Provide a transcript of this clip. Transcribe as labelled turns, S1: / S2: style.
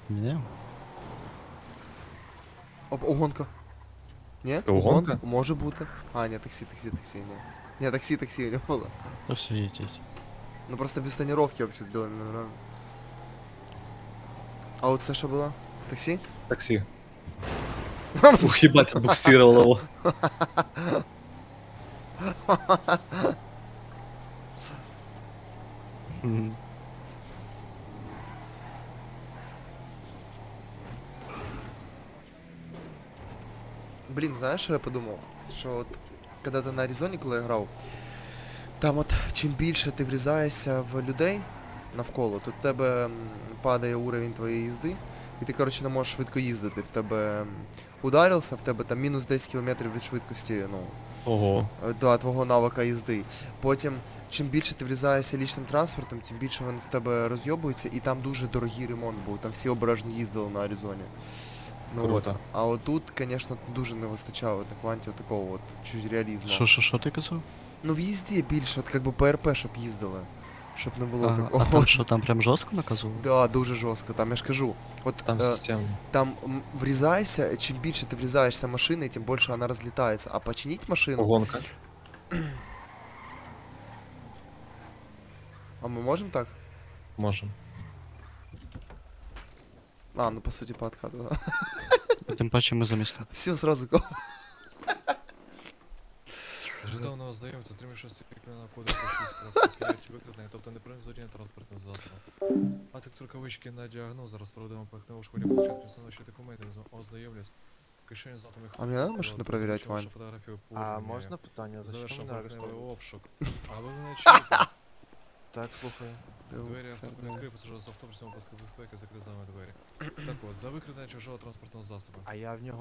S1: Ні.
S2: Угонка. Ні?
S3: Це угонка?
S2: Може бути. А, ні, таксі, ні. Ні, таксі не було.
S1: То все, їдіть.
S2: Ну просто без тонировки вообще збили нормально. А вот це що було? Таксі?
S3: Такси. Ух, ебать, отбуксировал его.
S1: Мгм.
S2: Блін, знаєш, що я подумав? Що от, коли ти на Аризоні, коли я грав, там от чим більше ти врізаєшся в людей навколо, то в тебе падає уровень твоєї їзди, і ти, коротше, не можеш швидко їздити. В тебе ударився, в тебе там мінус 10 км від швидкості, ну,
S1: Ого.
S2: до твого навика їзди. Потім, чим більше ти врізаєшся лічним транспортом, тим більше він в тебе розйобується, і там дуже дорогий ремонт був, там всі обережно їздили на Аризоні. Ну,
S3: Круто.
S2: от. А от тут, звісно, дуже не вистачало на кванті такого от чуть реалізму.
S1: Що ти казав?
S2: Ну в їзді більше, от как би ПРП, щоб їздили. Щоб не було
S1: А
S2: такого.
S1: там що, там прям жорстко наказували?
S2: Да, дуже жорстко, там я ж кажу. От
S3: Там системно.
S2: там врізаєшся, чим більше ти врізаєшся машиною, тим більше вона розлітається. А починить машину.
S3: Угонка.
S2: А ми можемо так?
S3: Можем.
S2: А, ну по суті по откату, да.
S1: Тим паче ми замість.
S2: Все, сразу го.
S4: Житомного знайомця, отримавши кримінального кодексу 6 викрадення, тобто неправильне транспортних засобів. А так рукавички на діагноз, зараз проведемо пахне ушкодя, початку представничі документи, ознайомлюсь. Кишені з атомних...
S2: А мені надо машину проверять, Вань?
S5: А можна питання? За що
S4: Завершив
S5: мене
S4: поверхневий
S5: арештовано?
S4: обшук. А ви мене чуєте?
S5: Так, слухаю.
S4: Двері авто відкрив, пасажир з автобусом, паски безпеки, закрив за вами двері. Так от, за викрадення чужого транспортного засобу.
S5: А я в нього